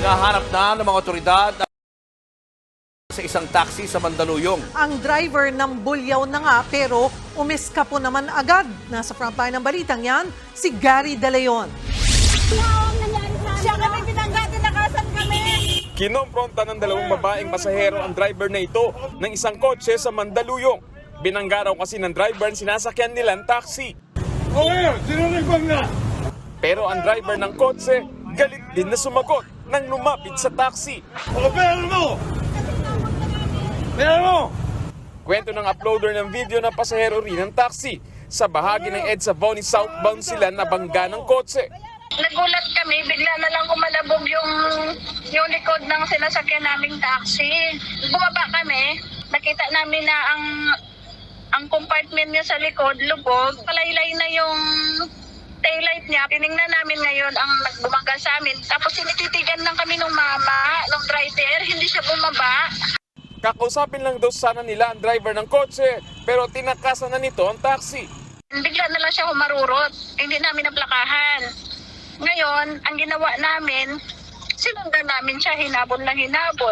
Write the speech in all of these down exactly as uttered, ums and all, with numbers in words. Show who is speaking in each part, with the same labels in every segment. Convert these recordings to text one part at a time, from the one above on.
Speaker 1: Hinahanap na ng mga otoridad sa isang taxi sa Mandaluyong.
Speaker 2: Ang driver ng bulyaw na nga pero umiskapo naman agad. Nasa frontline ng balitang yan, si Gary De Leon.
Speaker 3: Siya kami pinangga, tinakasan kami.
Speaker 4: Kinompronta ng dalawang babaeng pasahero ang driver na ito ng isang kotse sa Mandaluyong. Binangga raw kasi ng driver ang sinasakyan nilang taxi.
Speaker 5: Okay, sinunod na.
Speaker 4: Pero ang driver ng kotse, galit din na sumagot nang lumapit sa taxi.
Speaker 5: O, pera mo! Pera mo!
Speaker 4: Kwento ng uploader ng video ng pasahero rin ng taxi. Sa bahagi ng EDSA Bonnie southbound sila nabangga ng kotse.
Speaker 3: Nagulat kami, bigla na lang kumalabog yung, yung likod ng sinasakyan naming taxi. Bumaba kami, nakita namin na ang ang compartment niya sa likod, lubog. Palaylay na yung taillight niya. Tiningnan namin ngayon ang nagbumangga sa amin. Tapos sinititigan lang kami ng mama, ng driver, hindi siya bumaba.
Speaker 4: Kakausapin lang daw sana nila ang driver ng kotse, pero tinakasan na nito ang taxi.
Speaker 3: Bigla na lang siya humarurot, hindi namin naplakahan. Ngayon, ang ginawa namin, sinundan namin siya, hinabol na hinabol.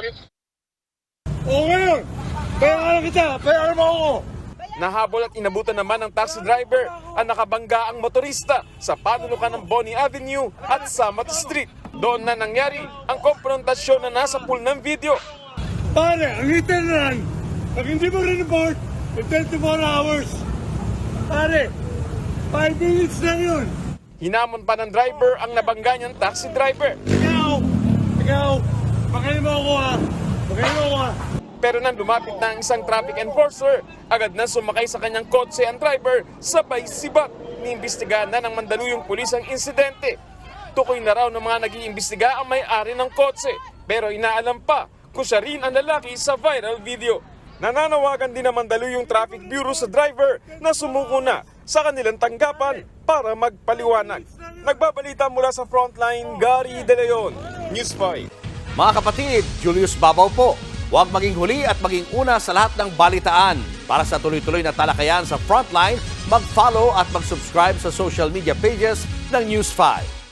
Speaker 5: O, ngayon! Pera kita! Pera mo ako!
Speaker 4: Nahabol at inabutan naman ng taxi driver ang nakabangga ang motorista sa panulukan ng Bonnie Avenue at Samat Street. Doon na nangyari ang konfrontasyon na nasa pool ng video.
Speaker 5: Pare, ang hitin na lang. Pag hindi mo rin-report, twenty-four hours. Pare, five minutes lang yun.
Speaker 4: Hinamon pa ng driver ang nabangga niyang taxi driver.
Speaker 5: Ikaw! Ikaw! Pakain mo ako ha! Pakain mo ako ha!
Speaker 4: Pero nang lumapit na ang isang traffic enforcer, agad na sumakay sa kanyang kotse ang driver, sabay sibat. Niimbestigahan na ng Mandaluyong pulis ang insidente. Tukoy na raw ng mga nag-iimbestiga ang may-ari ng kotse, pero inaalam pa kung siya rin ang lalaki sa viral video. Nananawagan din ang Mandaluyong Traffic Bureau sa driver na sumuko na sa kanilang tanggapan para magpaliwanag. Nagbabalita mula sa Frontline, Gary De Leon, News five.
Speaker 1: Mga kapatid, Julius Babaw po. Huwag maging huli at maging una sa lahat ng balitaan. Para sa tuloy-tuloy na talakayan sa Frontline, mag-follow at mag-subscribe sa social media pages ng News five.